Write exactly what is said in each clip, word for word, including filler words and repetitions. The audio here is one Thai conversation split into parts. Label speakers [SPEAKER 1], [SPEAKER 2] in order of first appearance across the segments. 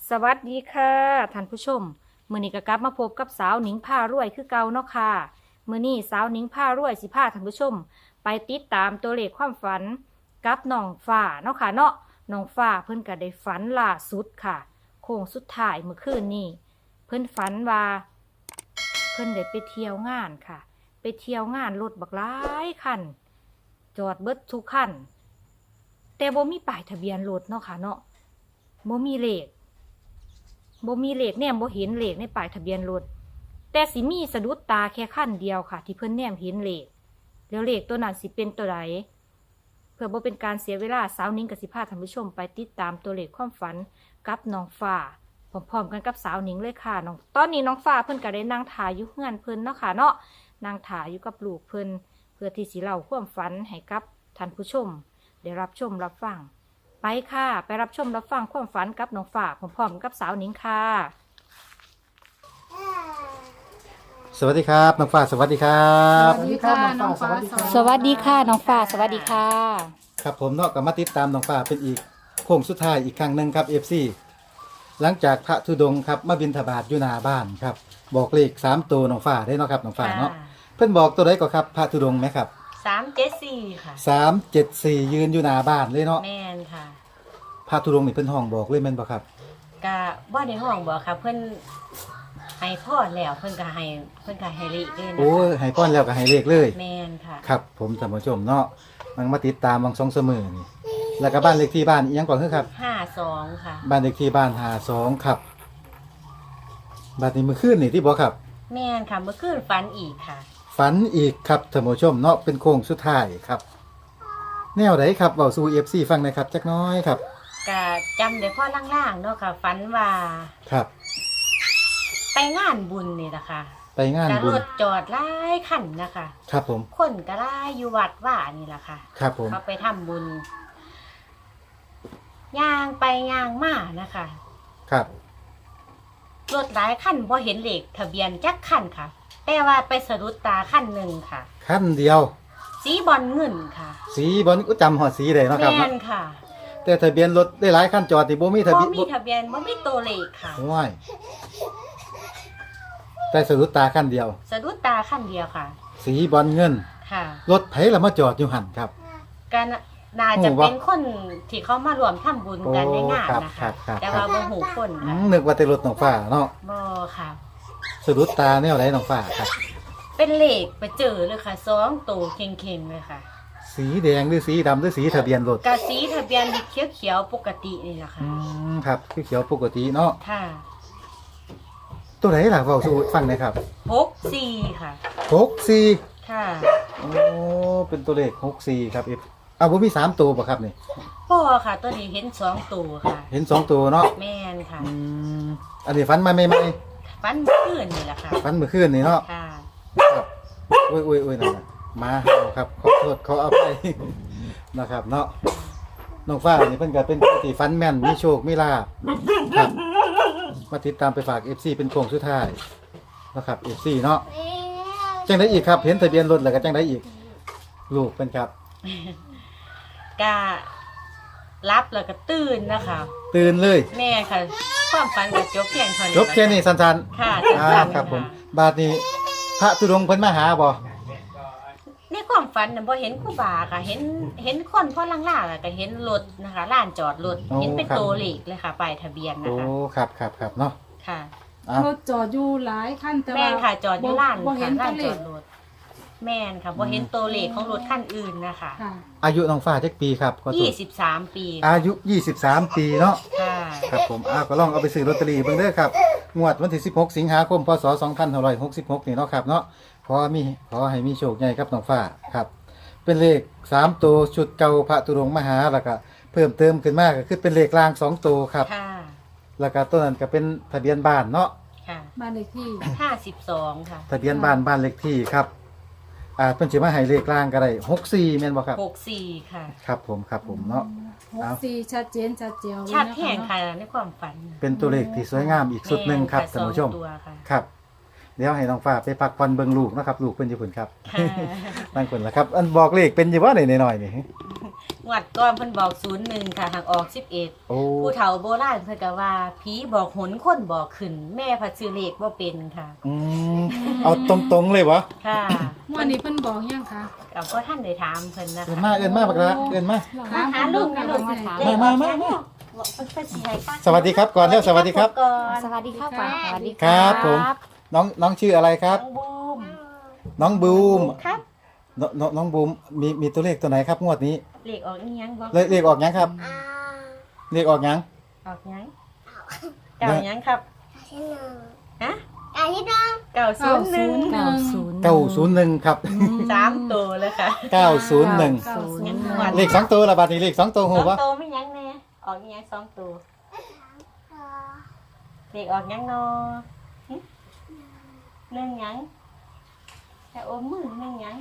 [SPEAKER 1] สวัสดีค่ะท่านผู้ชมมื้อนี้ก็กลับมาพบกับสาวหนิงพารวยคือเก่าเนาะค่ะมื้อนี้สาวหนิงพารวยสิพาท่านผู้ชม ไปติดตามตัวเลขความฝันกับน้องฟ้าเนาะค่ะเนาะน้องฟ้าเพิ่นก็ได้ฝันล่าสุดค่ะโค้งสุดท้ายเมื่อคืนนี้เพิ่นฝันว่าเพิ่นได้ไปเที่ยวงานค่ะ ไปเที่ยวงานรถบักหลายคันจอดเบิดทุกคันแต่บ่มีป้ายทะเบียนรถเนาะค่ะเนาะบ่มีเลข บ่มีเลขแนมบ่เห็นเลขในป้ายทะเบียนรถแต่สิมีสะดุดตาแค่คันเดียวค่ะที่เพิ่นแนมเห็นเลขแล้วเลขตัวนั้นสิเป็นตัวใดเพื่อบ่เป็นการเสียเวลาสาวนิ้งกับสิพาท่านผู้ชมไปติดตามตัวเลขความฝันกับน้องฟ้าพร้อมๆกันกับสาวนิ้งเลยค่ะน้องตอนนี้น้องฟ้าเพิ่นก็ได้นั่งถ่ายอยู่เฮือนเพิ่นเนาะค่ะเนาะนั่งถ่ายอยู่กับลูกเพิ่นเพื่อที่สิเล่าความฝันให้กับท่านผู้ชมได้รับชมรับฟังไปค่ะไปรับชมรับฟังความฝันกับน้องฟ้าพร้อมๆกับสาวนิ้งค่ะ
[SPEAKER 2] สวัสดีครับน้องฟ้าสวัสดีครับ
[SPEAKER 3] สวัสดีค่ะน้องฟ้า
[SPEAKER 1] สวัสดีค่ะน้องฟ้าสวัสดีค่ะ
[SPEAKER 2] ครับผมเนาะก็มาติดตามน้องฟ้าเป็นอีกโค้งสุดท้ายอีกครั้งหนึ่งครับ เอฟ ซี หลังจากพระธุดงค์ครับมาบิณฑบาตอยู่หน้าบ้านครับบอกเลขสามตัวน้องฟ้าได้เนาะครับน้องฟ้าเนาะเพิ่นบอกตัวใดก็ครับพระธุดงค์ไหมครับ
[SPEAKER 3] สามเจ็ดสี่ค่ะ
[SPEAKER 2] สามเจ็ดสี่ยืนอยู่หน้าบ้านเลยเนาะ
[SPEAKER 3] แม่นค่ะ
[SPEAKER 2] พระธุดงค์นี่เพิ่นห้องบอกเลยแม่นบ่ครับ
[SPEAKER 3] กะว่าในห้องบอกค่ะ เพิ่นให้พ่อแล้วเพิ่นก็ให้เพิ่นก็ให้เลขเลยนะ
[SPEAKER 2] โอ้ย
[SPEAKER 3] คะ
[SPEAKER 2] ให้ป้อนแล้วก็ให้เลขเลย
[SPEAKER 3] แม่นค่ะ
[SPEAKER 2] ครับผมท่านผู้ชมเนาะมันมาติดตามวังสองเสมอนี่แล้วก็บ้านเลขที่บ้านอีหยังก่อนคือครับ
[SPEAKER 3] ห้าสองค่ะ
[SPEAKER 2] บ้านเลขที่บ้านหาสองครับบ้านนี้มือคืนนี่ที่บอกครับ
[SPEAKER 3] แม่นค่ะเมื่อคืนฝันอีกค่ะ
[SPEAKER 2] ฝันอีกครับท่านผู้ชมเนาะเป็นโค้งสุดท้ายครับ แนวไหนครับเบาสู่เอฟซีฟังหนะครับจักหน้อยครับ
[SPEAKER 3] กะจำได้พ่อล่างๆเนาะค่ะฝันว่า
[SPEAKER 2] ครับ
[SPEAKER 3] ไปงานบุญนี่แหละค่ะ
[SPEAKER 2] ไปงาน
[SPEAKER 3] กะ
[SPEAKER 2] บุ
[SPEAKER 3] ร
[SPEAKER 2] ญ
[SPEAKER 3] ถจอดหลายคันนะคะ
[SPEAKER 2] ครับผม
[SPEAKER 3] คนก็หลายอยู่วัดว่านี่แหละค่ะ
[SPEAKER 2] ครับผม
[SPEAKER 3] เขาไปทำบุญย่างไปย่างมานะคะ
[SPEAKER 2] ครับ
[SPEAKER 3] รถหลายคันพอเห็นเลขทะเบียนจักคันค่ะ แต่ว่าไปสะดุดตาคันหนึ่งค่ะ
[SPEAKER 2] ขั้นเดียว
[SPEAKER 3] สีบอลเงินค่ะ
[SPEAKER 2] สีบอลก็จำหอดสีเลยเนาะครับ
[SPEAKER 3] แม่
[SPEAKER 2] เนาะ
[SPEAKER 3] นค่ะ
[SPEAKER 2] แต่ทะเบียนรถได้หลายขั้นจอดนี่บ่มีทะ
[SPEAKER 3] บ่
[SPEAKER 2] เบียน
[SPEAKER 3] มีทะเบียนบ่มีตัวเลขค่ะ
[SPEAKER 2] ว้ายแต่สะดุดตาขั้นเดียว
[SPEAKER 3] สะดุดตาคันเดียวค่ะ
[SPEAKER 2] สีบอลเงิน
[SPEAKER 3] ค่ะ
[SPEAKER 2] รถไผละมาจอดอยู่หันครับ
[SPEAKER 3] ก็น่าจะ
[SPEAKER 2] โอ้วะ
[SPEAKER 3] เป็นคนที่เขามารวมทำบุญกันในงาน
[SPEAKER 2] โอ้ครับ
[SPEAKER 3] นะ
[SPEAKER 2] ครั
[SPEAKER 3] คะ
[SPEAKER 2] บครับ
[SPEAKER 3] แต่ว่าบ่หูคน
[SPEAKER 2] อื
[SPEAKER 3] ค่ะ
[SPEAKER 2] มนึกว่าแต่รถน้องฟ้าเนาะ
[SPEAKER 3] บ่ค่ะ
[SPEAKER 2] สะดุดตาแนวไหนน้องฟ้าครับ
[SPEAKER 3] เป็นเลขไปเจอเลยค่ะสองตัวเข่งๆเลยค่ะ
[SPEAKER 2] สีแดงหรือสีดำหรือสีทะเบียนรถ
[SPEAKER 3] กะสีทะเบียนเขียวๆปกตินี่แหละค่ะ
[SPEAKER 2] อืมครับคือเขียวปกติเนาะ
[SPEAKER 3] ค่ะ
[SPEAKER 2] ตัวไหนล่ะเว้าสู่ฟังหน่อยครับ
[SPEAKER 3] หกสี่ค่ะ
[SPEAKER 2] หกสี่
[SPEAKER 3] ค่ะ
[SPEAKER 2] โอ้เป็นตัวเลขหกสี่ครับเอฟอ้าวบ่มีสามตัวป่ะครับนี่
[SPEAKER 3] พ่อค่ะตัวนี้เห็นสองตัวค่ะ
[SPEAKER 2] เห็นสองตัวเนาะ
[SPEAKER 3] แม่นค่ะ
[SPEAKER 2] อืมอันนี้ฟันมาใหม่
[SPEAKER 3] ฟันขึ้นนี่แหละค่ะ
[SPEAKER 2] ๆฟันเมื่อคืนนี่เนาะ
[SPEAKER 3] ค่ะ
[SPEAKER 2] ครับโอ้ยโอ้ยโอ้ยนั่นน่ะมาเห่าครับขอโทษขออภัย นะครับเนาะน้องฟ้านี่เพิ่นก็เป็นผู้ที่ฟันแม่นมีโชคมีลาภครับมาติดตามไปฝาก เอฟ ซี เป็นโค้งสุดท้ายนะครับ เอฟ ซี เนาะจังไดอีกครับเห็นทะเบียนรถแล้วก็จังไดอีกลูกเป็นครับ
[SPEAKER 3] กะรับแล้วก็ตื่นนะคะ
[SPEAKER 2] ตื่นเลย
[SPEAKER 3] แม่ค่ะ ความฝันกับจบเพียงเท่านี้
[SPEAKER 2] จบแค่นี้สั้น
[SPEAKER 3] ค่ะ
[SPEAKER 2] ๆอ่า
[SPEAKER 3] สั้นๆ
[SPEAKER 2] ครับผม
[SPEAKER 3] ะ
[SPEAKER 2] บาดนี้พระธุดงค์เพิ่นมาหาบ่
[SPEAKER 3] ในความฝันน่ะบ่เห็นครูบาค่ะ เห็นเห็นคนพ่อล่างๆแล้วก็เห็นรถนะคะลานจอดรถเห็นเป็นตัวเลขเลยค่ะป้ายทะเบียนนะ
[SPEAKER 2] โอ้
[SPEAKER 3] คะ
[SPEAKER 2] ครับครับครับเนาะ
[SPEAKER 3] ค่ะ
[SPEAKER 2] อ้าว
[SPEAKER 4] รถจอดอยู่หลายคันแต่
[SPEAKER 3] แม่
[SPEAKER 4] ว่าน
[SPEAKER 3] ค่ะจอดอยู่ลาน
[SPEAKER 4] บ่เห็
[SPEAKER 3] ค่ะ
[SPEAKER 4] น
[SPEAKER 3] ลา
[SPEAKER 4] ตัวน เล
[SPEAKER 3] จอ
[SPEAKER 4] ข
[SPEAKER 3] ดรถแม่นค่ะบ่เห็นตัวเลขของรถคันอื่นนะคะ
[SPEAKER 4] ค่ะ
[SPEAKER 2] อายุน้องฟ้าจักปีครับขอโท
[SPEAKER 3] ยี่
[SPEAKER 2] ษ
[SPEAKER 3] สิบสามปี
[SPEAKER 2] อายุยี่สิบสามปีเนาะ
[SPEAKER 3] ค่ะ
[SPEAKER 2] ครับผมอ้าวก็ลองเอาไปซื้อลอตเตอรี่เบิ่งเด้อครับงวดวันที่สิบหกสิงหาคมพศสองพันห้าร้อยหกสิบหกนี่เนาะครับเนาะขอมีขอให้มีโชคใหญ่ครับน้องฟ้าครับ เป็นเลขสามตัวชุดเก่าพระตุรงค์มหาแล้วก็เพิ่มเติมขึ้นมาก็คือเป็นเลขกลางสองตัวครับ
[SPEAKER 3] ค่ะ
[SPEAKER 2] แล้วก็ตัวนั้นก็เป็นทะเบียนบ้านเนาะ
[SPEAKER 3] ค่ะ
[SPEAKER 4] บ้านเลขที่
[SPEAKER 3] ห้าสิบสองค่ะ
[SPEAKER 2] ทะเบียนบ้านบ้านเลขที่ครับอ่าเพิ่นสิมาให้เลขกลางก็ได้หกสี่แม่นบ่ครับ
[SPEAKER 3] หกสี่ค่ะ
[SPEAKER 2] ครับผมครับผมเนาะ
[SPEAKER 4] หกสี่ชัดเจนชัดเจียวเลย
[SPEAKER 3] ชัด
[SPEAKER 4] นะคะ
[SPEAKER 3] แห่งค่ะในความฝัน
[SPEAKER 2] เป็นตัวเลขที่สวยงามอีกสุดหนึ่งครับ
[SPEAKER 3] แม่
[SPEAKER 2] ท่านผู้ชม
[SPEAKER 3] สองตัวค่ะ
[SPEAKER 2] ครับเดี๋ยวให้น้องฟ้าไปพักผ่อนเบิ่งลูกนะครับลูกเพิ่นอยู่พุ่นครับ
[SPEAKER 3] ค่ะ
[SPEAKER 2] นั่งพุ่นล่ะครับอันบอกเลขเป็นอยู่บ่ได้น้อยๆนี่
[SPEAKER 3] งวดก่อนเพิ่นบอกศูนย์หนึ่งค่ะหากออกสิบเอ็ด
[SPEAKER 2] โอ้
[SPEAKER 3] ผู้เฒ่าโบราณเพิ่นก็ว่าผีบอกหนคนบอกขึ้น แม่พัดซื้อเลขบ่เป็นค่ะ
[SPEAKER 2] อืมเอาตรงๆเลยวะ
[SPEAKER 3] ค่ะ
[SPEAKER 4] เมื่อนี้เพิ่นบอกยังคะ
[SPEAKER 3] กับพ่อท่านได้ถามเพิ่นนะ
[SPEAKER 2] เอิ้น
[SPEAKER 3] คะ
[SPEAKER 2] มาเอิ้นมาบักละเอิ้นมา
[SPEAKER 3] มาหาลูกนะลูก
[SPEAKER 4] มาถาม
[SPEAKER 2] มามามามา
[SPEAKER 3] บอกเพิ่นเพิ่นสิให้ป้า
[SPEAKER 2] สวัสดีครับก่อนเร็วสวัสดีครับ
[SPEAKER 3] ก่อน
[SPEAKER 1] สวัสดีครับป้าสวัสดี
[SPEAKER 2] ครับผม น้องน้องชื่ออะไรครับ
[SPEAKER 3] น้องบูม
[SPEAKER 2] น้องบูม
[SPEAKER 3] ครับ
[SPEAKER 2] นน้องน้องบูมมีมีตัวเลขตัวไหนครับงวดนี้
[SPEAKER 3] เลขออกอีหยังบ่
[SPEAKER 2] เลขเลขออกยังครับเลขออกยัง
[SPEAKER 3] ออกหยังเก้าหยังครับฮะเก้าศู
[SPEAKER 4] เก้าน
[SPEAKER 3] ย์ห
[SPEAKER 4] ศู
[SPEAKER 3] นึ่ง
[SPEAKER 4] นย์ห
[SPEAKER 1] เก้า
[SPEAKER 4] นึ่ง
[SPEAKER 1] ศูนย์
[SPEAKER 2] เก้าศูนย์หนึ่งครับ
[SPEAKER 3] สามตัวเลยค่ะ
[SPEAKER 2] เก้าศูนย์หนึ่ง
[SPEAKER 4] เก้าศูนย์หนึ่ง
[SPEAKER 2] เลขสองตัวละบาทนี้เลขสองตัว
[SPEAKER 3] ส
[SPEAKER 2] หู
[SPEAKER 3] อง
[SPEAKER 2] ปะ
[SPEAKER 3] ตัวไม่หยังแน่ออกอีหยังสองตัวเลขออกหยังนอหึหนึ่งหยังแต่โอ้มือหนึ่งหยัง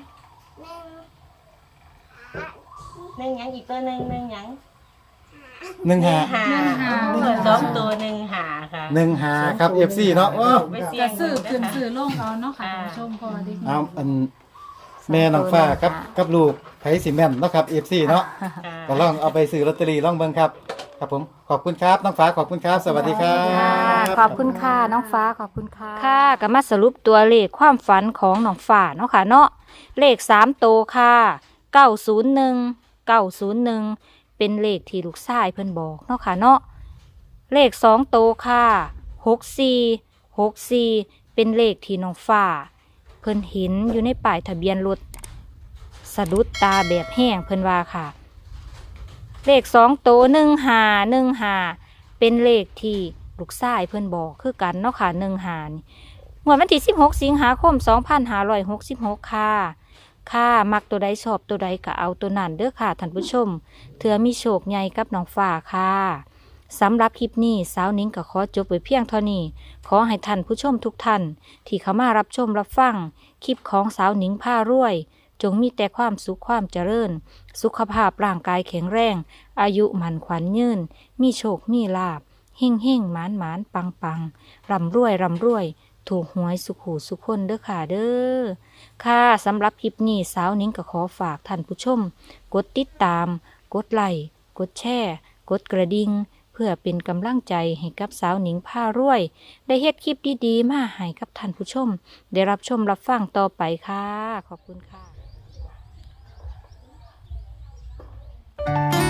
[SPEAKER 3] หนึ่งหยังอีกตัวหนึ่งหนึ่งหยัง
[SPEAKER 2] หนึ่งหา
[SPEAKER 3] หาเออสองตัวหนึ่งหาค่ะ
[SPEAKER 2] หนึ่งหาครับเอฟซีเนาะโอ้
[SPEAKER 3] ไปเสี่ย
[SPEAKER 4] จะ
[SPEAKER 3] ง
[SPEAKER 4] ซื้อขึ้น
[SPEAKER 3] นะคะ
[SPEAKER 4] ซื้อลงเอาเนาะค่ะท่านผู้ชมพอดี
[SPEAKER 2] เอาอันแม่น้องฟ้ากับกับลูกไผสิแม่นเนาะครับเอฟซีเนาะ
[SPEAKER 3] ค่ะ
[SPEAKER 2] ก็ลองเอาไปซื้อลอตเตอรี่ลองเบิ่งครับ ครับผมขอบคุณครับน้องฟ้าขอบคุณครับ สวัสดีครับ
[SPEAKER 1] ค่ะขอบคุณค่ะน้องฟ้าขอบคุณค่ะค่ะก็มาสรุปตัวเลขความฝันของน้องฟ้าเนาะค่ะเนาะเลขสามตัวค่ะเก้าศูนย์หนึ่งเก้าศูนย์หนึ่งเป็นเลขที่ลูกชายเพิ่นบอกเนาะค่ะเนาะเลขสองตัวค่ะหกสี่หกสี่เป็นเลขที่น้องฟ้าเพิ่นเห็นอยู่ในป้ายทะเบียนรถสะดุดตาแบบแห้งเพิ่นว่าค่ะ เลขสองตัวหนึ่งหาหนึ่งหาเป็นเลขที่ลูกชายเพิ่นบอกคือกันเนาะค่ะหนึ่งหานี่งวดวันที่สิบหกสิงหาคมสองพันห้าร้อยหกสิบหกค่ะค่ะมักตัวใดชอบตัวใดก็เอาตัวนั้นเด้อค่ะท่านผู้ชมเถื่อมีโชคใหญ่กับน้องฟ้าค่ะสำหรับคลิปนี้สาวนิ้งก็ขอจบไว้เพียงเท่านี้ขอให้ท่านผู้ชมทุกท่านที่เข้ามารับชมรับฟังคลิปของสาวนิ้งผ้ารวย จงมีแต่ความสุขความเจริญ สุขภาพร่างกายแข็งแรง อายุหมันขวัญยืน มีโชค มีลาบเฮ่งเฮ่งหมานหมานปังปังร่ำรวยร่ำรวย ถูกหวยสุขหูสุขคนเด้อค่ะเด้อ ค่ะสำหรับคลิปนี้สาวนิ้งก็ขอฝากท่านผู้ชม กดติดตาม กดไลค์ กดแชร์ กดกระดิ่ง เพื่อเป็นกำลังใจให้กับสาวหนิงผ้ารวย ได้เฮ็ดคลิปดีๆมาให้กับท่านผู้ชม ได้รับชมรับฟังต่อไปค่ะ ขอบคุณค่ะ